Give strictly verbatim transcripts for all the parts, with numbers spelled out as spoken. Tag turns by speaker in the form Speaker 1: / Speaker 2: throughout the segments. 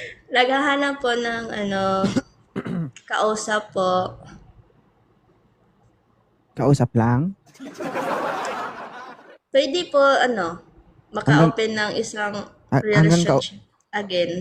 Speaker 1: Naghahanap po ng ano, kausap po.
Speaker 2: Kausap lang?
Speaker 1: Pwede po ano,
Speaker 2: Hanggang,
Speaker 1: maka-open ng isang
Speaker 2: ah, hanggang ka,
Speaker 1: relationship again.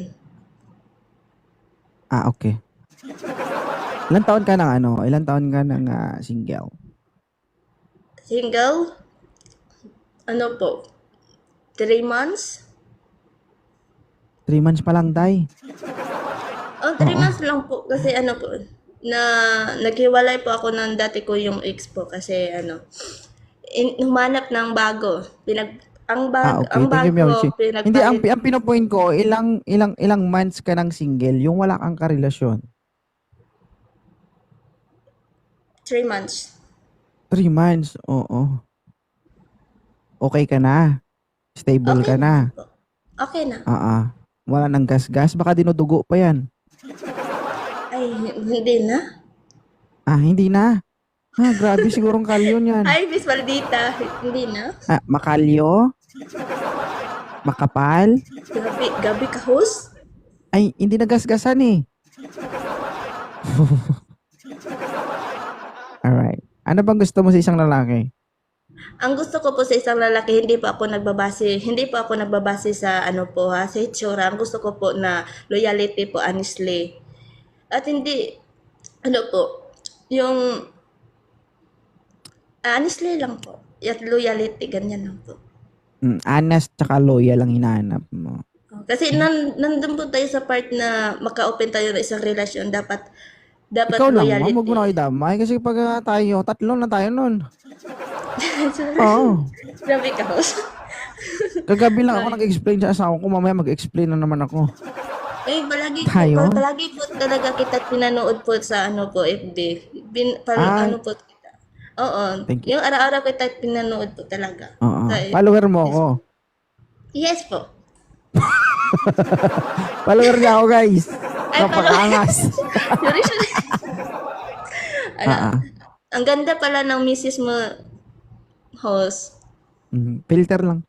Speaker 2: ah, okay. Ilan taon ka ng ano? Ilan taon ka ng ah, single?
Speaker 1: Single, ano po, three months?
Speaker 2: Three months pa lang, tay.
Speaker 1: Oh, three
Speaker 2: Oo.
Speaker 1: months lang po kasi ano po, na naghiwalay po ako ng dati ko yung ex po kasi ano, in, humanap ng bago. Pinag ang
Speaker 2: Ah,
Speaker 1: bag
Speaker 2: okay.
Speaker 1: ang
Speaker 2: Thank you, Ma'am Chi.
Speaker 1: bago
Speaker 2: Hindi, ang,
Speaker 1: pinagpalit
Speaker 2: pi- ang pinopoint ko, ilang, ilang, ilang months ka ng single, yung wala kang karelasyon.
Speaker 1: three months.
Speaker 2: Three months, oo. Okay ka na. Stable
Speaker 1: Okay
Speaker 2: ka
Speaker 1: naman
Speaker 2: na.
Speaker 1: po. Okay na.
Speaker 2: Ah, ah. Wala nang gas-gas, baka dinudugo pa yan.
Speaker 1: Ay, hindi na.
Speaker 2: Ah, hindi na. Ah, grabe, sigurong kalyon yan.
Speaker 1: Ay, Miss Maldita, hindi na.
Speaker 2: Ah, makalyo? Makapal?
Speaker 1: Gabi, gabi ka host?
Speaker 2: Ay, hindi nagasgasan eh. Alright. Ano bang gusto mo sa isang lalaki?
Speaker 1: Ang gusto ko po sa isang lalaki, hindi po ako nagbabase, hindi po ako nagbabase sa ano po ha, sa itsura. Ang gusto ko po na loyalty po, honestly. At hindi, ano po, yung ah, honestly lang po. At loyalty, ganyan lang po.
Speaker 2: Mm, honest tsaka loyal ang hinahanap mo.
Speaker 1: Kasi nan, nandun po tayo sa part na maka-open tayo ng isang relasyon. Dapat, dapat
Speaker 2: Ikaw lang, ma'am, huwag mo
Speaker 1: loyalty.
Speaker 2: na kayo damay kasi pag ah, tayo, tatlo na tayo nun.
Speaker 1: Sorry.
Speaker 2: Oo.
Speaker 1: Grabe ka host.
Speaker 2: Kagabi lang ako
Speaker 1: Sorry.
Speaker 2: nag-explain sa asawa ko, mamaya mag-explain na naman ako.
Speaker 1: Eh, palagi ko,
Speaker 2: Tayo?
Speaker 1: palagi po talaga kita pinanood po sa ano po, F B. Bin, pal,
Speaker 2: Ah,
Speaker 1: ano po kita. Oo.
Speaker 2: thank you.
Speaker 1: Yung araw-araw kita pinanood po talaga.
Speaker 2: Oo.
Speaker 1: Sa,
Speaker 2: Follower mo
Speaker 1: yes
Speaker 2: ako.
Speaker 1: po. Yes po.
Speaker 2: Follower niya ako, guys.
Speaker 1: Ay, palo.
Speaker 2: Napakaangas.
Speaker 1: Sorry, sorry. Ano,
Speaker 2: Ah, ah.
Speaker 1: ang ganda pala ng misis mo, host.
Speaker 2: Mhm. Filter lang.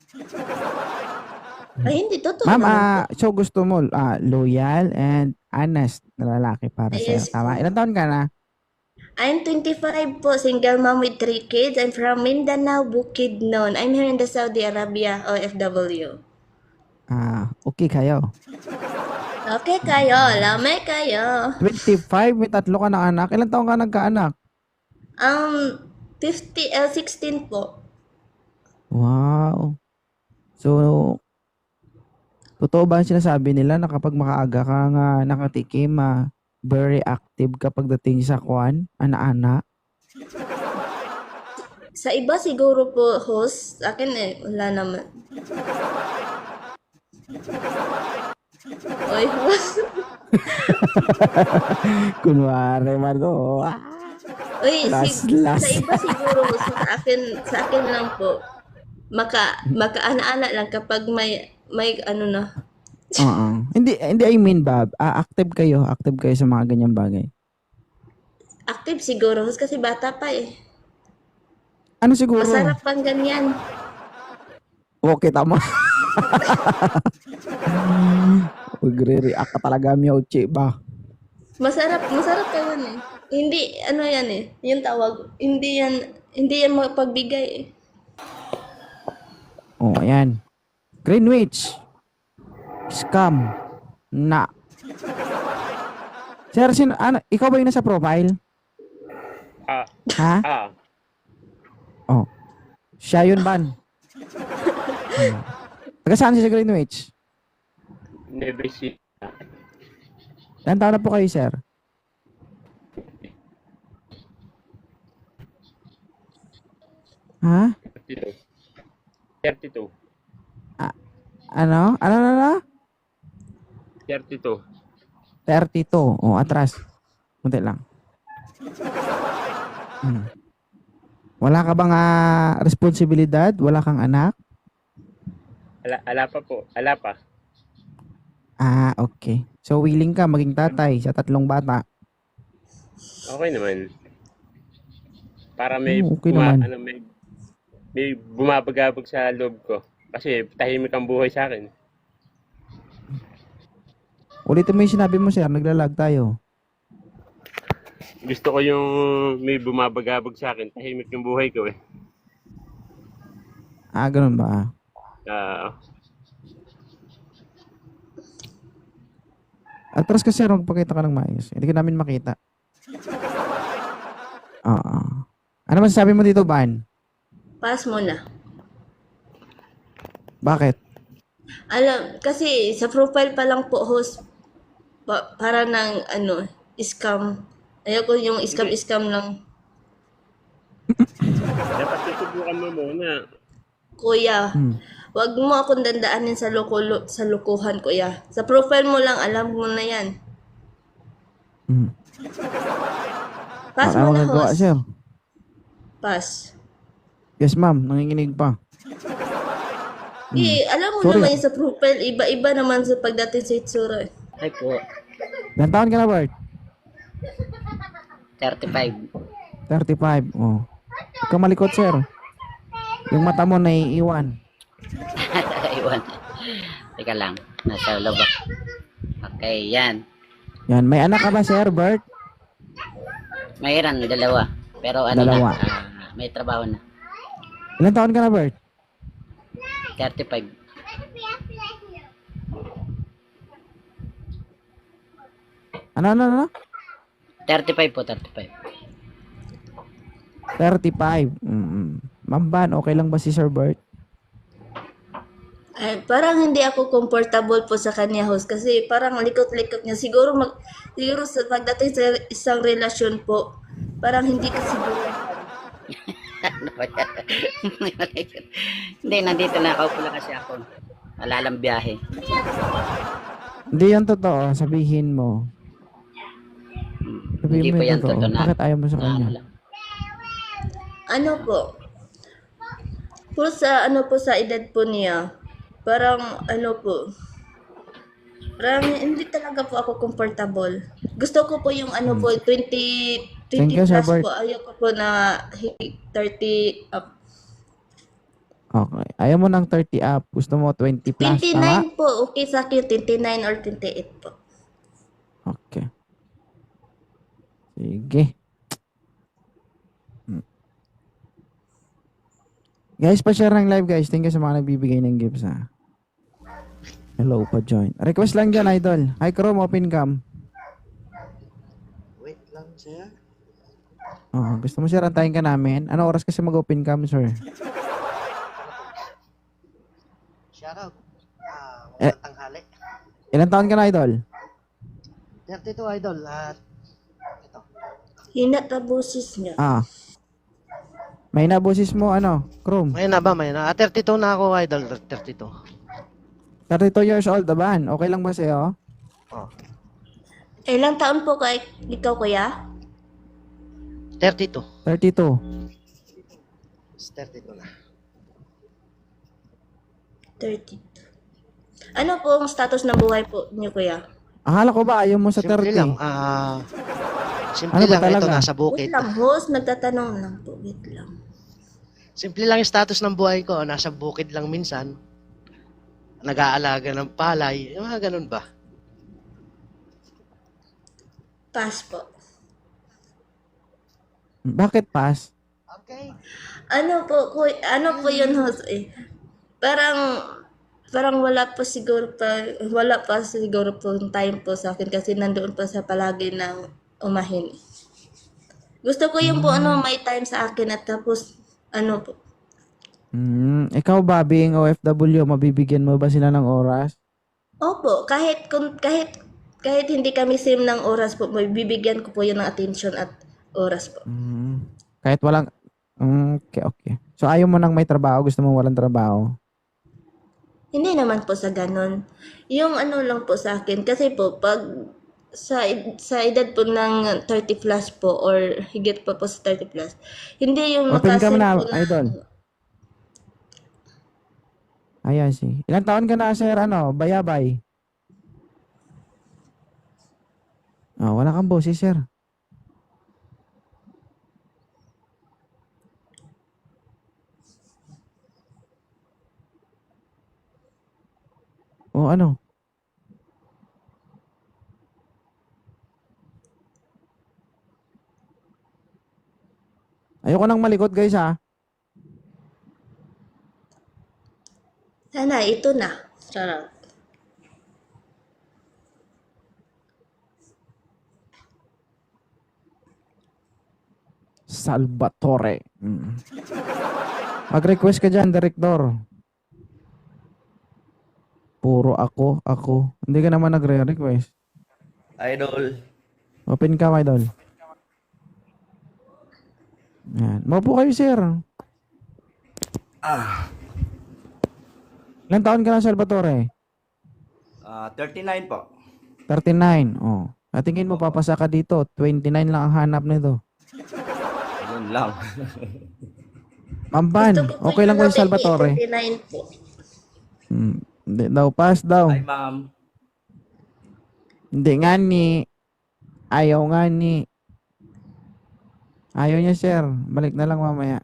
Speaker 1: Ay, hindi. Totoo
Speaker 2: Ma'am,
Speaker 1: naman po.
Speaker 2: ah, so gusto mo ah, loyal and honest na lalaki para
Speaker 1: Ay,
Speaker 2: sa'yo.
Speaker 1: yes
Speaker 2: Tama?
Speaker 1: po.
Speaker 2: Ilan taon ka na?
Speaker 1: I'm twenty-five po, single mom with three kids. I'm from Mindanao, Bukidnon. I'm here in the Saudi Arabia, O F W.
Speaker 2: Ah, okay kayo.
Speaker 1: Okay kayo, lamay kayo.
Speaker 2: Twenty-five, may tatlo ka na anak. Ilan taon ka nagkaanak?
Speaker 1: Um, fifty, uh, sixteen po.
Speaker 2: Wow. So, totoo ba ang sinasabi nila na kapag makaaga ka nga nakatikim, ah, very active kapag dating sa kwan, ana-ana?
Speaker 1: Sa iba siguro po, host. Sa akin eh, wala naman. Oy, host.
Speaker 2: Kunwari man to. Ah,
Speaker 1: Uy,
Speaker 2: last,
Speaker 1: sig sa
Speaker 2: last.
Speaker 1: iba siguro, sa akin, sa akin lang po. Maka, makaana-ana lang kapag may, may ano na.
Speaker 2: Oo. Hindi, hindi I mean, Bob. Ah, active kayo. Active kayo sa mga ganyang bagay.
Speaker 1: Active siguro, host, kasi bata pa eh.
Speaker 2: Ano siguro?
Speaker 1: Masarap pang ganyan.
Speaker 2: Okay, tama. Magre-react ka talaga, Miyauchi ba?
Speaker 1: Masarap, masarap ka yan eh. Hindi, ano yan eh. Yung tawag, hindi yan, hindi yan mapagbigay eh.
Speaker 2: Oh, ayan. Greenwich. Scam. Na. Sir, sino, ano, ikaw ba yung nasa profile?
Speaker 3: Ah,
Speaker 2: Ha?
Speaker 3: ah,
Speaker 2: Oh. Siya yun, ban. Hmm. Taga saan siya sa Greenwich?
Speaker 3: never see.
Speaker 2: Ilan taon na po kayo, sir? Ha?
Speaker 3: thirty-two. thirty-two.
Speaker 2: A- ano? Ano na na?
Speaker 3: thirty-two.
Speaker 2: thirty-two. Oh, atras. Kunti lang. Hmm. Wala ka bang ah, responsibilidad? Wala kang anak?
Speaker 3: Ala, ala pa po. Ala pa.
Speaker 2: Ah, okay. So, willing ka maging tatay sa tatlong bata?
Speaker 3: Okay naman. Para may
Speaker 2: Oh, okay
Speaker 3: buma,
Speaker 2: naman.
Speaker 3: ano, may, may bumabagabag sa loob ko. Kasi tahimik ang buhay sa akin.
Speaker 2: Ulitin mo yung sinabi mo, sir. Naglalag tayo.
Speaker 3: Gusto ko yung may bumabagabag sa akin. Tahimik yung buhay ko eh.
Speaker 2: Ah, ganun ba?
Speaker 3: Ah,
Speaker 2: Atras ka, sir. Magpakita ka ng maayos. Hindi ka namin makita. Oo. Ano masasabi mo dito, Ban?
Speaker 1: Pass mo na.
Speaker 2: Bakit?
Speaker 1: Alam, kasi sa profile pa lang po host, pa, para ng ano, scam. Ayoko yung
Speaker 3: hindi.
Speaker 1: scam-scam lang.
Speaker 3: Dapat susubukan mo muna.
Speaker 1: Kuya,
Speaker 2: Hmm.
Speaker 1: wag mo akong dandaanin sa loko, sa lukuhan, kuya. Sa profile mo lang, alam mo na yan.
Speaker 2: Hmm.
Speaker 1: Pass
Speaker 2: Wala
Speaker 1: mo na,
Speaker 2: magagawa,
Speaker 1: host.
Speaker 2: sir.
Speaker 1: Pass.
Speaker 2: Yes, ma'am. Nanginginig pa.
Speaker 1: Eh, alam mo
Speaker 2: Sorry.
Speaker 1: naman yung sa profile, iba-iba naman sa pagdating sa itsura. eh.
Speaker 4: Ay po,
Speaker 2: Ilan taon ka na, Bert?
Speaker 4: thirty-five.
Speaker 2: thirty-five. Oh. Huwag ka malikot, sir. Yung mata mo naiiwan.
Speaker 4: Iwan. Teka lang, nasa loob ako. Okay, yan.
Speaker 2: Yan. May anak ka ba, sir, Bert?
Speaker 4: Mayroon, dalawa. Pero ano
Speaker 2: Dalawa.
Speaker 4: na, ah, may trabaho na.
Speaker 2: Ilan taon ka na, Bert?
Speaker 4: thirty-five.
Speaker 2: Ano, ano, ano?
Speaker 4: thirty-five po, thirty-five.
Speaker 2: thirty-five. Mm-mm. Ma'am Ban, okay lang ba si Sir Bert?
Speaker 1: Ay, parang hindi ako comfortable po sa kanya, host, kasi parang likot-likot niya. Siguro, mag, siguro sa pagdating sa isang relasyon po, parang hindi ka siguro.
Speaker 4: Ano ba yan? Hindi, nandito na. Kaupo lang kasi ako. Alalang biyahe.
Speaker 2: Hindi yan totoo. Sabihin mo. Sabihin
Speaker 4: Hindi
Speaker 2: mo
Speaker 4: po
Speaker 2: yung
Speaker 4: yan
Speaker 2: totoo.
Speaker 4: totoo na.
Speaker 2: Bakit ayaw mo sa
Speaker 4: na ano
Speaker 2: kanya?
Speaker 4: lang.
Speaker 1: Ano po? Po sa ano po sa edad po niya, parang ano po, parang hindi talaga po ako comfortable. Gusto ko po yung ano po, twenty,
Speaker 2: Thank
Speaker 1: twenty
Speaker 2: you, Sir
Speaker 1: plus
Speaker 2: Bert.
Speaker 1: po. Ayoko po na hi- thirty up.
Speaker 2: Okay. Ayaw mo ng thirty up. Gusto mo twenty plus. Tama?
Speaker 1: twenty-nine po, okay sa akin, twenty-nine or twenty-eight po.
Speaker 2: Okay. Sige. Hmm. Guys, pa-share ng live, guys. Thank you sa mga nagbibigay ng gifts, ha. Hello, pa-join. Request lang dyan, idol. Hi, Chrome, open cam.
Speaker 5: Wait lang, sir.
Speaker 2: Oh, gusto mo, sir, antayin ka namin? Ano oras kasi mag-open cam, sir?
Speaker 5: Shoutout. Ah,
Speaker 2: Eh.
Speaker 5: magandang tanghali.
Speaker 2: Ilan taon ka na, idol?
Speaker 5: thirty-two, idol. At ito.
Speaker 1: Hinat na boses niya.
Speaker 2: Ah. May nabusis mo, ano, Chrome.
Speaker 5: May na ba? May na. Ah, thirty-two na ako, idol. thirty-two.
Speaker 2: thirty-two years old, Daban. Okay lang ba sa'yo?
Speaker 5: Oh.
Speaker 1: Ilang taon po kay ikaw, kuya?
Speaker 5: thirty-two.
Speaker 2: thirty-two.
Speaker 5: It's thirty-two na.
Speaker 1: thirty. Ano po ang status ng buhay po niyo, kuya?
Speaker 2: Akala ko ba ayaw mo sa
Speaker 5: Simple
Speaker 2: thirty?
Speaker 5: lang. Ah, simple
Speaker 2: Ano ba
Speaker 5: lang. Ito,
Speaker 2: talaga?
Speaker 5: nasa
Speaker 1: Wait
Speaker 5: bukid.
Speaker 1: lang, host. Nagtatanong lang po. Wait lang.
Speaker 5: Simple lang yung status ng buhay ko. Nasa bukid lang minsan. Nag-aalaga ng palay. Yung mga ganun ba?
Speaker 1: Pass po.
Speaker 2: Bakit pass?
Speaker 5: Okay.
Speaker 1: Ano po, kuy, ano po yun, host? Eh, parang, parang wala pa siguro pa, wala pa siguro po yung time po sa akin kasi nandoon pa sa palagi ng umahin. Gusto ko yung po ano, may time sa akin at tapos, ano po.
Speaker 2: Hmm, ikaw ba, being O F W, mabibigyan mo ba sila ng oras?
Speaker 1: Opo, kahit, kung, kahit, kahit hindi kami same ng oras po, may bibigyan ko po yun ng attention at oras po.
Speaker 2: Hmm, kahit walang... Hmm, okay, okay. So, ayaw mo nang may trabaho, gusto mo walang trabaho?
Speaker 1: Hindi naman po sa ganun. Yung ano lang po sa akin, kasi po, pag sa ed- sa edad po ng thirty plus po or higit pa po sa thirty plus, hindi yung
Speaker 2: Open cam
Speaker 1: makasend
Speaker 2: na,
Speaker 1: po na,
Speaker 2: idol. Ayan, si. Ilang taon ka na, sir, ano, bayabay? Oh, wala kang boses, sir. O ano? Ayoko nang malikot guys ha.
Speaker 1: Sana ito na. Charot.
Speaker 2: Salvatore. Mm. Mag-request ka dyan, Director. Puro ako, ako. Hindi ka naman nagre-request.
Speaker 6: Idol.
Speaker 2: Open ka, my idol. Yan. Maupo kayo, sir.
Speaker 6: Ah,
Speaker 2: Ilang taon ka na, Salvatore?
Speaker 6: ah, thirty-nine po.
Speaker 2: thirty-nine. Oh. At tingin mo, papasa ka dito. twenty-nine lang ang hanap nito.
Speaker 6: Yun lang.
Speaker 2: Mamban,
Speaker 1: Gusto ko po
Speaker 2: okay lang
Speaker 1: yung
Speaker 2: ko yung Salvatore.
Speaker 1: twenty-nine po.
Speaker 2: Hmm. Hindi daw, pass daw.
Speaker 6: Hi, ma'am.
Speaker 2: Hindi nga ni. Ayaw nga ni. Ayaw niya, sir. Balik na lang mamaya.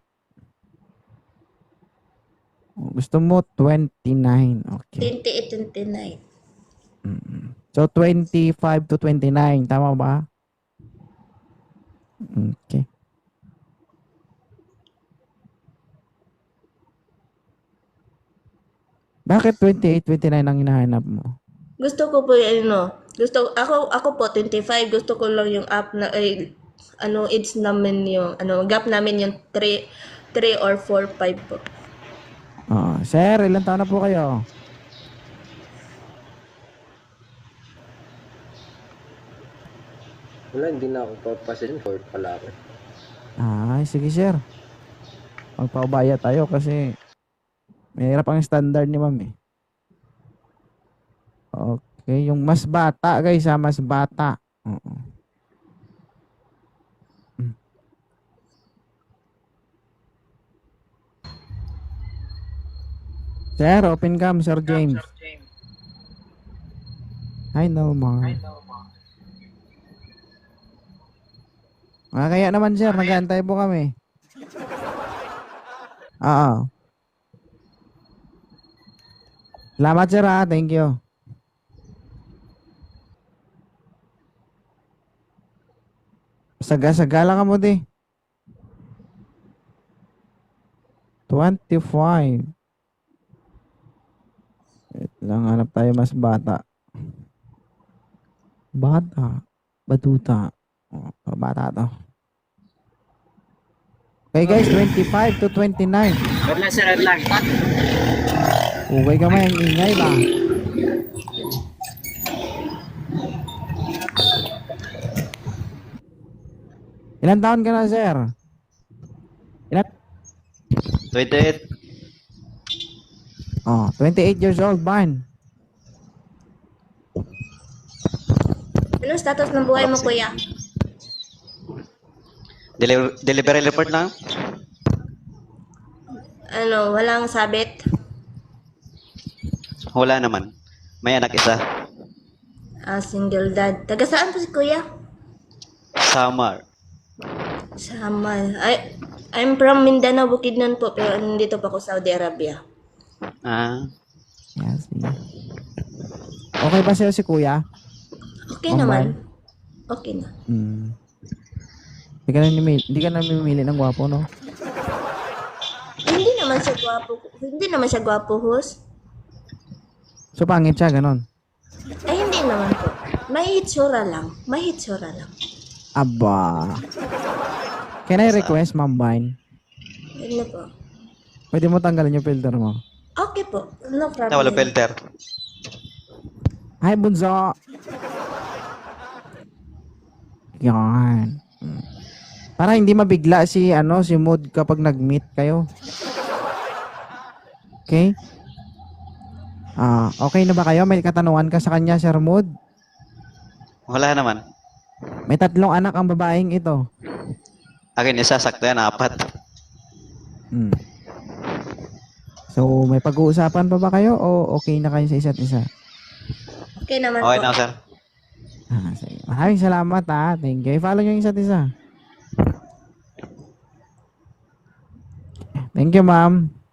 Speaker 2: Oh, gusto mo twenty-nine. Okay.
Speaker 1: twenty-eight, twenty-nine.
Speaker 2: Mm. So, twenty-five to twenty-nine. Tama ba? Okay. Bakit twenty-eight, twenty-nine ang hinahanap mo?
Speaker 1: Gusto ko po yung ano, gusto, ako, ako po, twenty-five, gusto ko lang yung up na, ay, ano, age namin yung, ano, gap namin yung three, three or four, five po.
Speaker 2: Oh, sir, ilan taon na po kayo?
Speaker 7: Wala, hindi na ako papasilin. Fourth pala ako.
Speaker 2: Ay, sige, sir. Magpaubaya tayo kasi mahirap ang standard ni ma'am eh. Okay, yung mas bata guys ha, mas bata. Oo. Mm. Sir, open cam, Sir James. Hi, Nelmar. Ah, kaya naman sir, nag-aantay po kami. Oo. Salamat sir ha, thank you. Saga-sagala ka mo di. twenty-five. Wait lang, hanap tayo mas bata. Bata. Batuta. Oh, bata to. Okay guys, twenty-five to twenty-nine.
Speaker 4: Wala lang, sir. Wala lang.
Speaker 2: Okay ka may ang ingay ba? Ilan taon ka na, sir? Ilan?
Speaker 6: twenty-eight.
Speaker 2: Oh, twenty-eight years old, Ban.
Speaker 1: Anong status ng buhay mo, kuya?
Speaker 6: Deli- delivery report lang?
Speaker 1: Ano, walang sabit?
Speaker 6: Wala naman. May anak isa.
Speaker 1: Ah, single dad. Taga saan po si kuya?
Speaker 6: Samar.
Speaker 1: Samal. Ay, I'm from Mindanao, Bukidnon po, pero nandito pa ako sa Saudi Arabia.
Speaker 6: Ah,
Speaker 2: Yes, sige. Okay ba sa'yo si kuya?
Speaker 1: Okay
Speaker 2: Ma'am
Speaker 1: naman. Okay na.
Speaker 2: Hmm. Hindi ka na namimili, hindi ka na namimili ng gwapo, no?
Speaker 1: Hindi naman siya gwapo. Hindi naman siya gwapo, host.
Speaker 2: So, pangit siya, ganon.
Speaker 1: Ay, hindi naman po. May hitsura lang. May hitsura lang.
Speaker 2: Aba. Can I request, Ma'am Vine?
Speaker 1: Ano po?
Speaker 2: Pwede mo tanggalin yung filter mo.
Speaker 1: Okay po. No problem.
Speaker 6: na wala filter.
Speaker 2: Hi, Bunso! Yan. Hmm. Para hindi mabigla si, ano, si Mood kapag nag-meet kayo. Okay? Ah, okay na ba kayo? May katanungan ka sa kanya, Sir Mood?
Speaker 6: Wala naman.
Speaker 2: May tatlong anak ang babaeng ito.
Speaker 6: Akin isa, sakto yan, apat.
Speaker 2: Hmm. So, may pag-uusapan pa ba kayo o okay na kayo sa isa't isa?
Speaker 1: Okay naman
Speaker 6: Okay
Speaker 1: po.
Speaker 6: na, sir.
Speaker 2: Ah, sige. Maraming salamat ha. Thank you. I-follow nyo yung isa't isa. Thank you, ma'am.